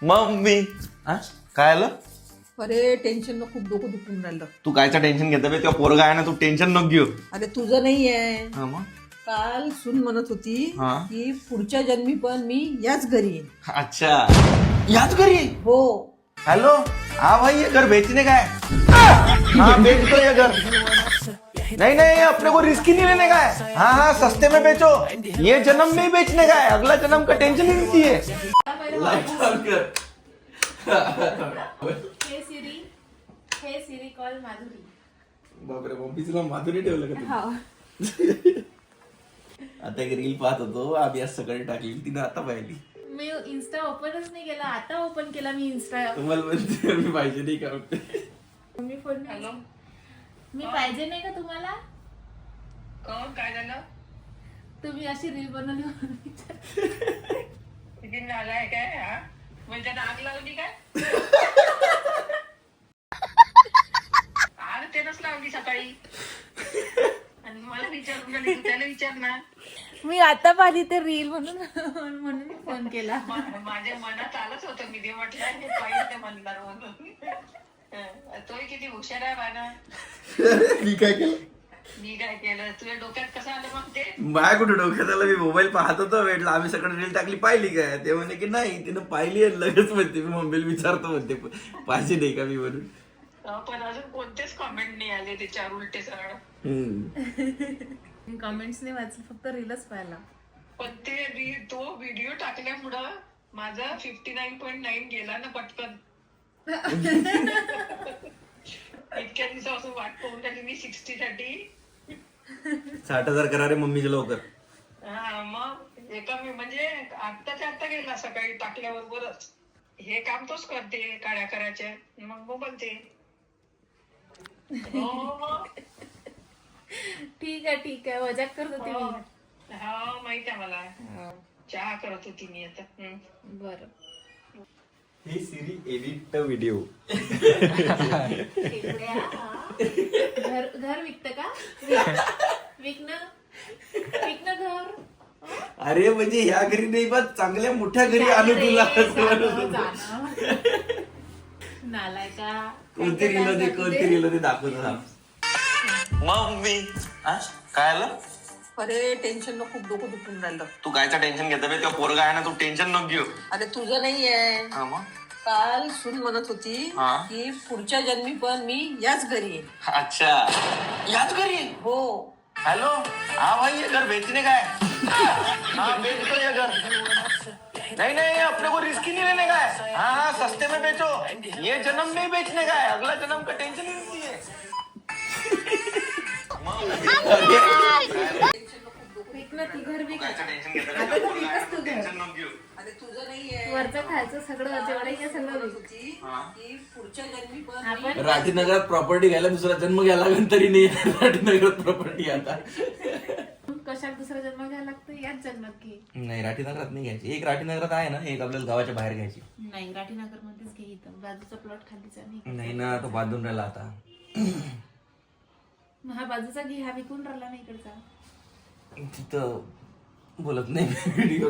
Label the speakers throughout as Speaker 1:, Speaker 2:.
Speaker 1: Mummy काय आलं?
Speaker 2: अरे टेन्शन न खूप डोकं दुखून राहिलं.
Speaker 1: तू कायचं टेन्शन घेता बे? तेव्हा पोरगा आहे ना, तू टेन्शन नको घेऊ.
Speaker 2: अरे तुझं नाही आहे.
Speaker 1: हा मग
Speaker 2: काल सून म्हणत होती
Speaker 1: हा.
Speaker 2: की पुढच्या जन्मी पण मी याच घरी येईन.
Speaker 1: अच्छा, याच घरी?
Speaker 2: हो.
Speaker 1: हेलो, हाँ भाई ये घर बेचने का है? हाँ बेच दो ये घर. नहीं नहीं, अपने को रिस्क ही नहीं लेने का है. हाँ हाँ, सस्ते में बेचो. ये जन्म में ही बेचने का है, अगला जन्म का टेंशन ही नहीं चाहिए.
Speaker 3: हे सिरी कॉल माधुरी.
Speaker 1: बापरे, मम्मीला माधुरी ठेवलं का? आता एक रील पाहत होतो, आम्ही आज सकाळी टाकली, तिने आता पाहिली.
Speaker 3: मी इन्स्टा ओपनच नाही केला, आता ओपन केला मी इन्स्टा.
Speaker 1: तुम्हाला म्हणते मी पाहिजे नाही का?
Speaker 3: मी फोन हॅलो, मी पाहिजे नाही का तुम्हाला?
Speaker 4: काय झालं?
Speaker 3: तुम्ही अशी रील बनवली म्हणून
Speaker 4: किती नालायक काय हा? म्हणजे आग लावली काय? आग त्यानंच लावली सकाळी. आणि मला विचारून राहिली, तू त्याला विचार ना.
Speaker 3: मी आता पाहिली ते रील म्हणून फोन केला.
Speaker 4: माझ्या मनात आलंच होतं, मी ते म्हटलं हे पाहिजे म्हणणार म्हणून. तोही किती हुशार आहे बाना.
Speaker 1: मी काय केलं?
Speaker 4: मी काय केलं? तुझ्या डोक्यात कसं आलं मग ते?
Speaker 1: माझ्या कुठे डोक्यात आलं? मी मोबाईल पाहत होतो, भेटला आम्ही सकाळी रील टाकली, पाहिली काय? ते म्हणे की नाही, तिनं पाहिली आहे. लगेच म्हणते, मी मम्मीला विचारतो म्हणते पाहिजे नाही का मी म्हणून.
Speaker 4: पण अजून कोणतेच कॉमेंट नाही आले त्याच्यावर उलटे सरळ.
Speaker 3: मी कमेंट्स नाही वाचले, फक्त रीलच पाहिला.
Speaker 4: पण ते तो व्हिडिओ टाकल्यामुळं माझा 59.9 गेला ना पटकन. इतक्या दिवसापासून वाट पाहून राहिली मी 60 साठी.
Speaker 1: 60,000 करा रे मम्मीचे लवकर.
Speaker 4: हा मग एका मी म्हणजे आत्ताच्या आत्ता गेला सकाळी टाकल्याबरोबरच. हे काम तोच करते, काड्या करायच्या, मग बोलते. हो
Speaker 3: ठीक आहे मजाक करत होती मी.
Speaker 4: हा माहित आहे मला. चहा करत होती मी आता.
Speaker 3: बरं.
Speaker 1: हे सिरी एडिट व्हिडिओ.
Speaker 3: घर विकत का? विकणं घर.
Speaker 1: अरे म्हणजे ह्या घरी नाही, बस चांगल्या मोठ्या घरी आणू तुला.
Speaker 3: नालाय का?
Speaker 1: कोणती रील होती दाखवतो. मम्मी काय आलं?
Speaker 2: अरे टेन्शन न खूप डोकं दुखून राहिलं.
Speaker 1: तू कायचं टेन्शन घेता बे? तेव्हा पोरगा आहे ना, तू टेन्शन नको घेऊ.
Speaker 2: अरे तुझं नाही आहे.
Speaker 1: हा मग
Speaker 2: काल सून म्हणत होती
Speaker 1: हा.
Speaker 2: की पुढच्या जन्मी पण मी याच घरी येईन.
Speaker 1: अच्छा, याच घरी?
Speaker 2: हो.
Speaker 1: हेलो, हाँ भाई ये घर बेचने का है? हाँ बेच दो ये घर. नहीं नहीं, अपने को रिस्क ही नहीं लेने का है. हाँ हाँ, सस्ते में बेचो. ये जन्म में ही बेचने का है, अगला जन्म का टेंशन ही नहीं चाहिए.
Speaker 3: विकणं ती घर विक.
Speaker 1: कायचं टेन्शन घेता बे?
Speaker 3: आता तर विकच तू घर.
Speaker 1: टेन्शन नको घेऊ.
Speaker 2: अरे तुझं नाही आहे.
Speaker 3: वरचं खायचं सगळं जेवढं काय सगळं
Speaker 2: म्हणत
Speaker 3: विक.
Speaker 2: होती की पुढच्या जन्मी पण
Speaker 3: आपण
Speaker 1: राठीनगरात प्रॉपर्टी घ्यायला दुसरा जन्म घ्यायला लागेल तरी नाही. राठीनगरात प्रॉपर्टी आता
Speaker 3: कशाला दुसरा जन्म घ्यायला लागतं? याच जन्मात घे.
Speaker 1: नाही, राठीनगरात नाही घ्यायची. एक राठीनगरात आहे ना, एक आपल्याला गावाच्या बाहेर घ्यायची.
Speaker 3: नाही, राठीनगर मध्येच घे. इथं बाजूचा प्लॉट खालीचा नाही.
Speaker 1: नाही ना, तो बांधून राहिला आता.
Speaker 3: मग हा बाजूचा घे, हा विकून राहिला नाही इकडचा.
Speaker 1: तिथं बोलत नाही व्हिडिओ.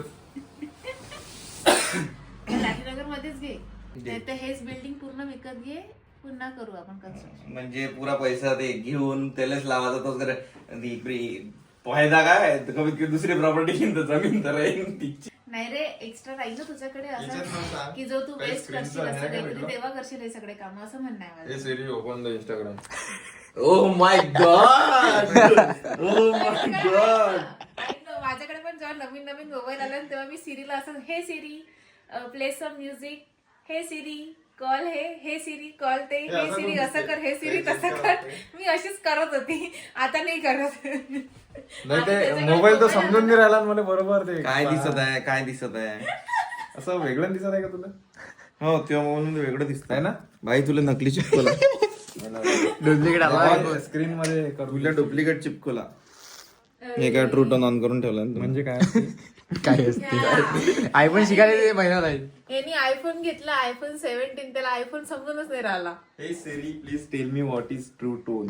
Speaker 3: राठीनगर मध्येच घे. नाहीतर हेच बिल्डिंग पूर्ण विकत घे, पुन्हा करू आपण कन्स्ट्रक्शन.
Speaker 1: म्हणजे पुरा पैसा ते घेऊन त्यालाच लावायचा. तोच करे फायदा काय? कमीत कमी दुसरी प्रॉपर्टी घेऊन तर जमीन तर
Speaker 3: नाही रे, एक्स्ट्रा राहील ना तुझ्याकडे असं की जो तू वेस्ट करशील असं काहीतरी, तेव्हा करशील हे सगळे काम, असं म्हणणं आहे माझं.
Speaker 5: Siri open the Instagram.
Speaker 1: Oh my god, oh my god.
Speaker 3: माझ्याकडे पण जेव्हा नवीन नवीन मोबाईल आला तेव्हा मी सिरीला असं, हे सिरी प्ले सम म्युझिक, हे सिरी कॉल, हे सिरी कॉल ते, हे सिरी असं कर, हे सिरी तसं कर. मी अशीच करत होती, आता नाही करत.
Speaker 5: नाही ते मोबाईल तर समजून नाही राहिला मला बरोबर. ते
Speaker 1: काय दिसत आहे, काय दिसत आहे?
Speaker 5: असं वेगळं दिसत आहे का तुला?
Speaker 1: हो, तेव्हा मोबाईल वेगळं दिसत
Speaker 5: आहे ना
Speaker 1: भाई. तुला नकली चिपकला,
Speaker 5: डुप्लिकेट स्क्रीन मध्ये
Speaker 1: तुला डुप्लिकेट चिपकला. हे काय ट्रू टर्न ऑन करून ठेवलं
Speaker 5: म्हणजे काय?
Speaker 6: काय असते आयफोन शिकायला महिना राहील.
Speaker 3: यांनी आयफोन घेतला, आयफोन 17, त्याला आयफोन समजूनच नाही राहिला.
Speaker 1: हे Siri please tell me what is true tone.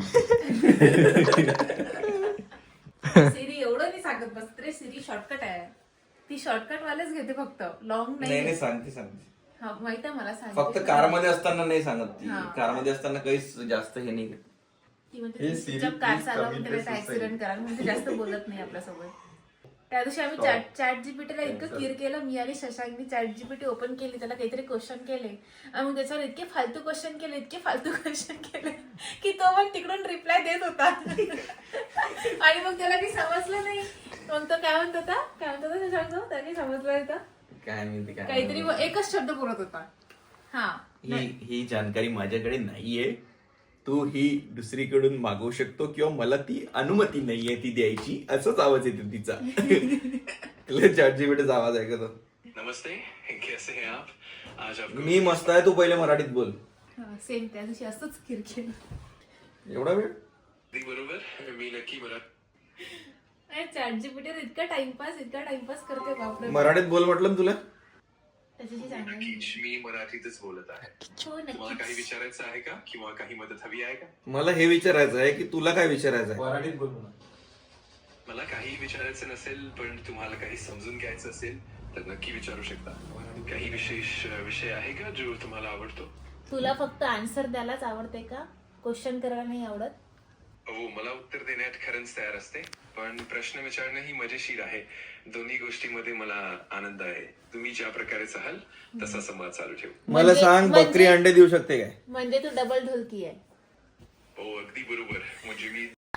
Speaker 3: Siri एवढं नाही सांगत बस रे. सिरी शॉर्टकट आहे, ती शॉर्टकट वालेच घेते फक्त, लॉंग
Speaker 1: नाही
Speaker 3: नाही.
Speaker 1: सांगते.
Speaker 3: हा माहित आहे मला
Speaker 1: फक्त
Speaker 3: सांगितलं.
Speaker 1: कारमध्ये असताना नाही सांगत ती.
Speaker 3: हा.
Speaker 1: कारमध्ये असताना काहीच जास्त हे नाही.
Speaker 3: ती म्हणते
Speaker 5: हे
Speaker 3: तुम्ही
Speaker 5: सिरी
Speaker 3: चुपचाप कार
Speaker 5: please
Speaker 3: चालवा
Speaker 5: कमी
Speaker 3: म्हणते
Speaker 5: ते
Speaker 3: ऍक्सिडेंट करा म्हणजे जास्त बोलत नाही आपल्यासोबत. त्या दिवशी आम्ही चॅट जीपीटीला इतकं क्लिअर केलं, मी आणि शशांकनी चॅट जीपीटी ओपन केली, त्याला काहीतरी क्वेश्चन केले आणि मग त्याच्यावर इतके फालतू क्वेश्चन केले की तो मग तिकडून रिप्लाय देत होता आणि मग त्याला काही समजलं नाही. मग तो काय म्हणत होता शशांक, त्याने समजलं होतं
Speaker 1: काय माहिती काय
Speaker 3: काहीतरी एकच शब्द बोलत होता. हा
Speaker 1: ही जानकारी माझ्याकडे नाहीये. तू ही दुसरीकडून मागवू शकतो किंवा मला ती अनुमती नाहीये ती द्यायची. असंच आवाज येतो तिचा. चॅटजीपीटीचा आवाज ऐकतो.
Speaker 7: नमस्ते, कैसे हैं आप? आज आपको
Speaker 1: मी मस्त आहे, तू पहिले मराठीत बोल.
Speaker 3: सेम त्या दिवशी असंच क्लिअर केलं.
Speaker 1: एवढा वेळ
Speaker 7: अगदी बरोबर. मी नक्की
Speaker 3: चॅट जीपीटीवर इतका टाइमपास करते बापरे.
Speaker 1: मराठीत बोल म्हटलं ना तुला.
Speaker 3: त्याच्याशी सांगा.
Speaker 7: नक्कीच मी मराठीतच बोलत आहे.
Speaker 3: हो
Speaker 7: तुम्हाला
Speaker 3: नक्की.
Speaker 7: काही विचारायचं आहे का किंवा काही मदत हवी आहे का?
Speaker 1: मला हे विचारायचं आहे की तुला काय विचारायचं आहे.
Speaker 5: मराठीत बोल म्हणा.
Speaker 7: मला काही विचारायचं नसेल पण तुम्हाला काही समजून घ्यायचं असेल तर नक्की विचारू शकता. काही विशेष विषय आहे का जो तुम्हाला आवडतो?
Speaker 3: तुला फक्त आन्सर द्यायलाच आवडते का? क्वेश्चन करायला नाही आवडत?
Speaker 7: हो, मला उत्तर देण्यात खरंच तयार असते, पण प्रश्न विचारणं ही मजेशीर आहे. दोन्ही गोष्टीमध्ये मला आनंद आहे. तुम्ही ज्या प्रकारे चाहाल तसा संवाद चालू ठेवू.
Speaker 1: मला सांग, बकरी अंडे देऊ शकते काय?
Speaker 3: म्हणजे तू डबल ढोलकी आहे.
Speaker 7: हो, अगदी बरोबर. म्हणजे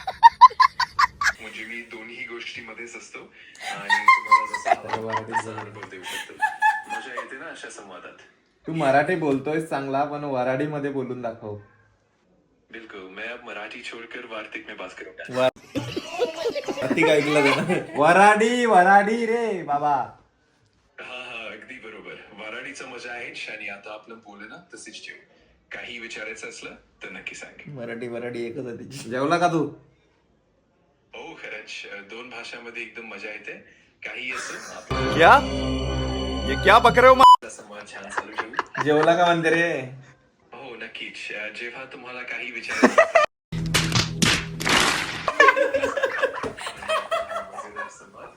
Speaker 7: मी दोन्ही गोष्टीमध्येच असतो आणि तुम्हाला जसा आवडेल तसा अनुभव देऊ शकतो. मजा येते ना अशा संवादात.
Speaker 5: तू मराठी बोलतोय चांगला, पण वराडीमध्ये बोलून दाखव.
Speaker 7: बिल्कुल, मैं अब मराठी छोड़कर वार्तिक में बात करूंगा.
Speaker 1: ती ऐकलं जाणार.
Speaker 5: वराडी रे बाबा.
Speaker 7: हा, अगदी बरोबर. वाराणीचा मजा आहेच आणि आता आपलं बोलणं तसेच ठेवू. काही विचारायचं असलं तर नक्की सांग.
Speaker 1: मराठी एकच आहे तिची.
Speaker 5: जेवला का तू?
Speaker 7: हो, खरंच दोन भाषांमध्ये एकदम मजा येते. काही असं आपला
Speaker 6: क्या ये क्या बक रहे हो?
Speaker 7: संवाद छान चालू ठेवू.
Speaker 1: जेवला का म्हणते रे?
Speaker 7: हो, नक्कीच. जेव्हा तुम्हाला काही विचारायचं मजेदार संवाद.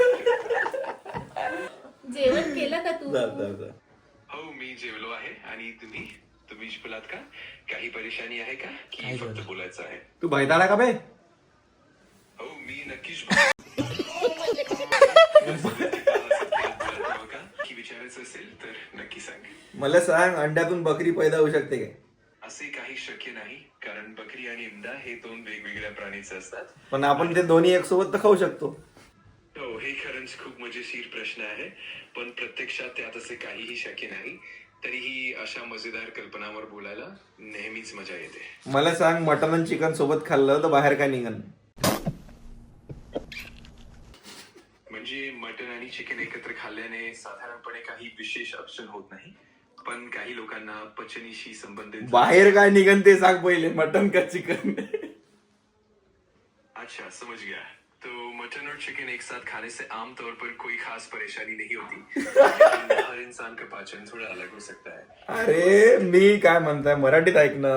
Speaker 3: जेवण केलं का तू?
Speaker 1: जा.
Speaker 7: हो, मी जेवलो आहे. आणि तुम्ही बोलात का? काही परेशानी आहे का की फक्त बोलायचं आहे?
Speaker 5: तू भैताडा का बे?
Speaker 7: हो, मी नक्कीच की विचारायचं असेल तर नक्की सांग.
Speaker 1: मला सांग, अंड्यातून बकरी पैदा होऊ शकते काय?
Speaker 7: असे काही शक्य नाही, कारण बकरी आणि इंडा हे दोन वेगवेगळ्या प्राणीचे असतात.
Speaker 1: पण आपण ते दोन्ही एक सोबत तर खाऊ शकतो.
Speaker 7: हो, हे खरंच खूप मजेशीर प्रश्न आहे, पण प्रत्यक्षात त्यात असे काहीही शक्य नाही. तरीही अशा मजेदार कल्पनावर बोलायला नेहमीच मजा येते.
Speaker 1: मला सांग, मटन आणि चिकन सोबत खाल्लं तर बाहेर काय निघन?
Speaker 7: म्हणजे मटन आणि चिकन एकत्र खाल्ल्याने साधारणपणे काही विशेष अडचण होत नाही, पण काही लोकांना पचनीशी संबंधित
Speaker 1: बाहेर काय निघन ते सांग पहिले, मटन का चिकन?
Speaker 7: अच्छा, समझ गया. तो मटन और चिकन एक साथ खाने से आमतौर पर कोई खास परेशानी नहीं होती. हर इंसान का पाचन थोड़ा अलग हो सकता है.
Speaker 1: अरे मी काय म्हणताय, मराठीत ऐक ना.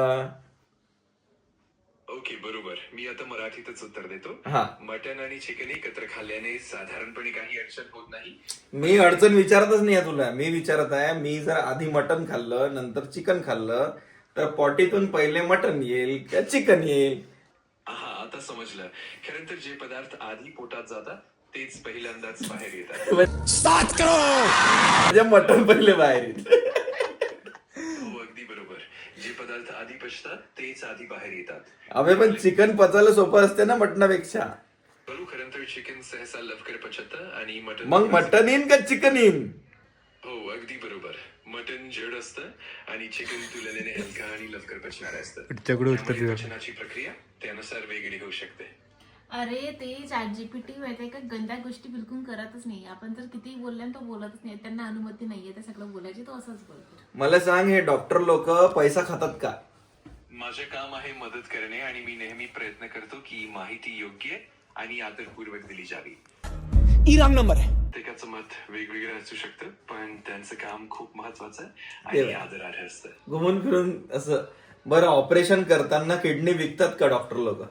Speaker 7: ओके, बरोबर. मी आता मराठीतच उत्तर देतो.
Speaker 1: हा.
Speaker 7: मटन आणि चिकन एकत्र खाल्ल्याने साधारणपणे काही अडचण होत नाही.
Speaker 1: मी अडचण विचारतच नाही आहे तुला. मी विचारत आहे, मी जर आधी मटन खाल्लं नंतर चिकन खाल्लं तर पॉटीतून पहिले मटन येईल का चिकन येईल?
Speaker 7: हा, आता समजलं. खरं तर जे पदार्थ आधी पोटात जातात तेच पहिल्यांदाच बाहेर येतात.
Speaker 1: म्हणजे मटन पहिले बाहेर येईल.
Speaker 7: हो, अगदी बरोबर. जे पदार्थ आधी पचतात तेच आधी बाहेर येतात.
Speaker 1: अबे पण चिकन पचायला सोपं असते ना मटणापेक्षा.
Speaker 7: बरोबर. खरं तर चिकन सहसा लवकर पचतं आणि मटन
Speaker 1: मग मटन येईन का चिकन येईन?
Speaker 7: हो, अगदी बरोबर. मटन जड असतं आणि चिकन तुलनेने हलका आणि लवकर पचणारं असतं. त्यामुळे पचनाची प्रक्रिया त्यानुसार वेगळी होऊ शकते.
Speaker 3: अरे ते चॅट जीपीटी माहितीये का, गंदा गोष्टी बिलकुल करतच नाही. आपण जर किती बोलल्या तो बोलतच नाही. त्यांना अनुमती नाहीये ते सगळं बोलायची, तो असंच बोलतो.
Speaker 1: मला सांग, हे डॉक्टर लोक पैसा खातात का?
Speaker 7: माझे काम आहे मदत करणे आणि मी नेहमी प्रयत्न करतो की माहिती योग्य आणि आदरपूर्वक दिली जावी. प्रत्येकाचं मत वेगवेगळं असू शकतं, पण त्यांचं काम खूप महत्वाचं आणि आदरार्ह असतं.
Speaker 1: घुमून फिरून असं. बरं, ऑपरेशन करताना किडनी विकतात का डॉक्टर लोक?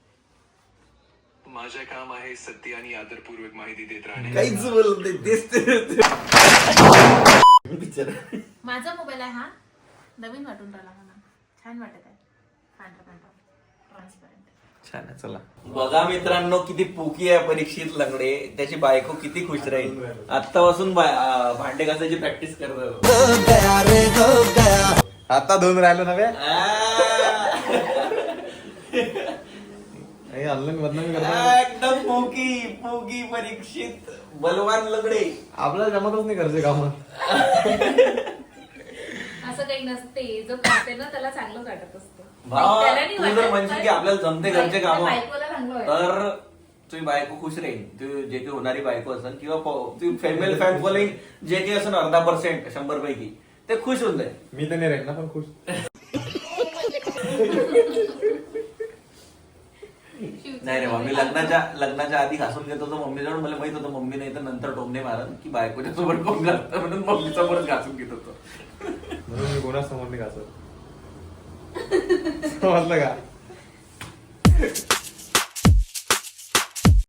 Speaker 7: माझे काम आहे सत्य आणि आदरपूर्वक माहिती देत राहणे.
Speaker 1: काहीच बोलत नाही. तेच बिचारा.
Speaker 3: माझा मोबाईल आहे हा, नवीन वाटून राहिला मला, छान वाटत आहे, पांढरा ट्रान्सपरंट.
Speaker 1: छान आहे, चला.
Speaker 8: बघा मित्रांनो किती पोकी आहे परीक्षित लंगडे. त्याची बायको किती खुश राहील. आतापासून भांडे घासायची प्रॅक्टिस करत.
Speaker 5: आता धुवून राहिलो नव्हे ऑनलाईन बदनामी करतो.
Speaker 8: एकदम पोकी पोकी परीक्षित बलवान लंगडे.
Speaker 5: आपल्याला जमतच नाही घरचे काम.
Speaker 3: असं काही नसते, जो करते ना त्याला चांगलं वाटत असतं.
Speaker 8: भावा,
Speaker 3: त्याला नाही
Speaker 8: तू जर
Speaker 3: वाटत,
Speaker 8: म्हणशील
Speaker 3: पण
Speaker 8: की आपल्याला जमते घरचे काम,
Speaker 3: बायकोला चांगलं वाटतं.
Speaker 8: तर तुझी बायको खुश राहील. तू जे काही होणारी बायको असेल किंवा तू फिमेल फॅन फॉलोइंग जे काही असेल अर्धा% 100 पैकी ते खुश होऊन जाईल.
Speaker 5: मी तर नाही राहील ना पण खुश.
Speaker 8: नाही रे मम्मी लग्नाच्या आधी घासून घेत होतो मम्मीजवळ. मला माहित होतं मम्मी नाही तर नंतर टोमणे मारत की बायकोच्या सोबत कोण घालतं, म्हणून मम्मी सोबत घासून घेत होतो.
Speaker 5: म्हणून मी कोणाच समोर नाही घासत. समजलं का?